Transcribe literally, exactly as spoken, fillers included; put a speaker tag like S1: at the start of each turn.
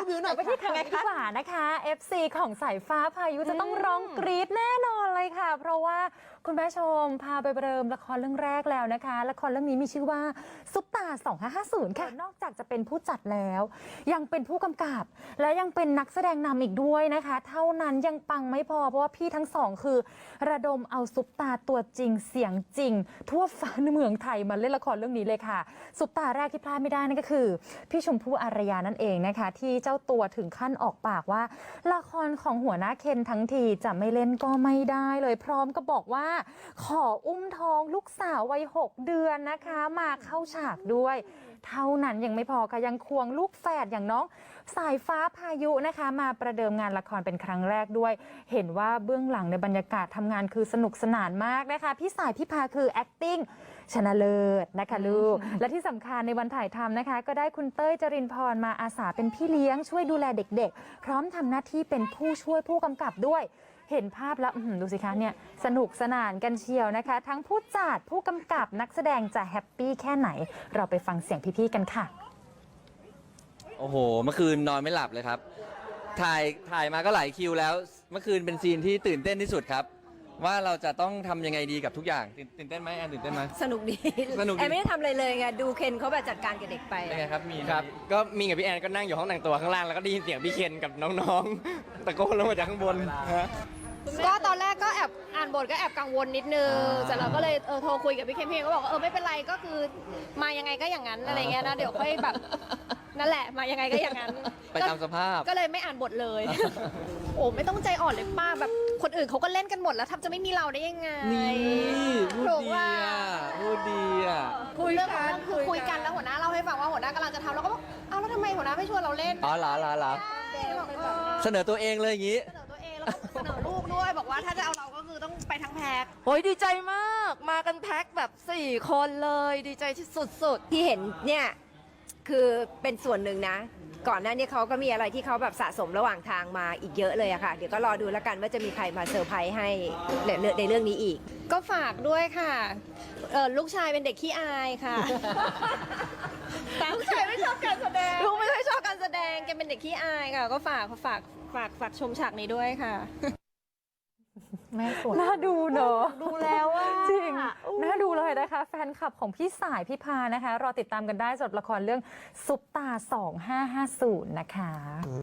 S1: วิวหน่อย
S2: ไปที่ข่าวนี้ดีกว่านะคะ เอฟ ซี ของสายฟ้าพายุจะต้องร้องกรี๊ดแน่นอนเลยค่ะ เพราะว่าคุณแม่ชมพาไปเริ่มละครเรื่องแรกแล้วนะคะละครเรื่องนี้มีชื่อว่าซุปตาสองห้าห้าศูนย์ค่ะนอกจากจะเป็นผู้จัดแล้ว ยังเป็นผู้กำกับและยังเป็นนักแสดงนำอีกด้วยนะคะ เท่านั้นยังปังไม่พอเพราะว่าพี่ทั้งสองคือ ระดมเอาซุปตาตัวจริงเสียงจริง ทั่วฟ้าเมืองไทยมาเล่นละครเรื่องนี้เลยค่ะซุปตาแรกที่พลาดไม่ได้นั่นก็คือพี่ชมพู่อารยานั่นเองนะคะที่เจ้าตัวถึงขั้นออกปากว่าละครของหัวหน้าเคนทั้งทีจะไม่เล่นก็ไม่ได้เลยพร้อมก็บอกว่าขออุ้มท้องลูกสาววัยหกเดือนนะคะมาเข้าฉากด้วยเท่านั้นยังไม่พอค่ะยังควงลูกแฝดอย่างน้องสายฟ้าพายุนะคะมาประเดิมงานละครเป็นครั้งแรกด้วยเห็นว่าเบื้องหลังในบรรยากาศทำงานคือสนุกสนานมากนะคะพี่สายพี่พาคือ acting ชนะเลิศนะคะลูก และที่สำคัญในวันถ่ายทำนะคะก็ได้คุณเต้ยจรินพรมาอาสาเป็นพี่เลี้ยงช่วยดูแลเด็กๆพร้อมทำหน้าที่เป็นผู้ช่วยผู้กำกับด้วยเห็นภาพแล้วดูสิคะเนี่ยสนุกสนานกันเชียวนะคะทั้งผู้จัดผู้กำกับนักแสดงจะแฮปปี้แค่ไหนเราไปฟังเสียงพี่ๆกันค่ะ
S3: โอ้โหเมื่อคืนนอนไม่หลับเลยครับถ่ายถ่ายมาก็หลายคิวแล้วเมื่อคืนเป็นซีนที่ตื่นเต้นที่สุดครับว่าเราจะต้องทำยังไงดีกับทุกอย่างตื่นตื่นเต้นไหมแอนตื่นเต้นไหม
S1: สนุกดี
S3: สนุกดี
S1: แอนไม่ได้ทำอะไรเลยไงดูเคนเขาแบบจัดการกับเด็กไป
S3: เป็นไงครับมี
S4: ครับก็มีกับพี่แอนก็นั่งอยู่ห้องแต่งตัวข้างล่างแล้วก็ได้ยินเสียงพี่เคนกับน้องๆตะโกนลงมาจากข้างบนฮะ
S1: ก็ตอนแรกก็แอบอ่านบทก็แอบกังวลนิดนึงเสร็จแล้วก็เลยเออโทรคุยกับพี่เคนพี่เคนก็บอกว่าเออไม่เป็นไรก็คือมายังไงก็อย่างนั้นอะไรเงี้ยนะเดี๋ยวค่อยแบบนั่นแหละมายังไงก็อย่างนั้น
S3: ไปตามสภาพ
S1: ก็เลยไม่อ่านบทเลย โอ้ไม่ต้องใจอ่อนเลยป้าแบบคนอื่นเขาก็เล่นกันหมดแล้วทำจะไม่มีเราได้ยังไง
S3: นี่พูดดีอ่ะพูดดีอ่ะ
S1: คุยกันคือคุยกันแล้วหัวหน้าเล่าให้ฟังว่าหัวหน้ากำลังจะทำเราก็บอกเอาแล้วทำไมหัวหน้าไม่ชวนเราเล่น
S3: อ๋อเหรอเหรอเหรอเสนอตัวเองเลยอย่างนี้
S1: เสนอตัวเองแล้วก็เสนอลูกด้วยบอกว่าถ้าจะเอาเราก็คือต้องไปทั้งแพ็ค
S5: โอ้ยดีใจมากมากันแพ็คแบบสี่คนเลยดีใจที่สุดๆ
S1: ที่เห็นเนี่ยคือเป็นส่วนหนึ่งนะก่อนหน้านี้เขาก็มีอะไรที่เขาแบบสะสมระหว่างทางมาอีกเยอะเลยอะค่ะเดี๋ยวก็รอดูแล้วกันว่าจะมีใครมาเซอร์ไพรส์ให้ในเรื่องนี้อีกก็ฝากด้วยค่ะเออลูกชายเป็นเด็กขี้อายค่ะลูกชายไม่ชอบการแสดงลูกไม่ค่อยชอบการแสดงแกเป็นเด็กขี้อายค่ะก็ฝากฝากฝากฝากชมฉากนี้ด้วยค่ะ
S2: แม่สวยน่าดูเนอะ
S5: ดูแล้วว่า
S2: จริงน่าดูเลยนะคะแฟนคลับของพี่สายพี่พานะคะรอติดตามกันได้สำหรับละครเรื่องซุปตาสองห้าห้าศูนย์นะคะ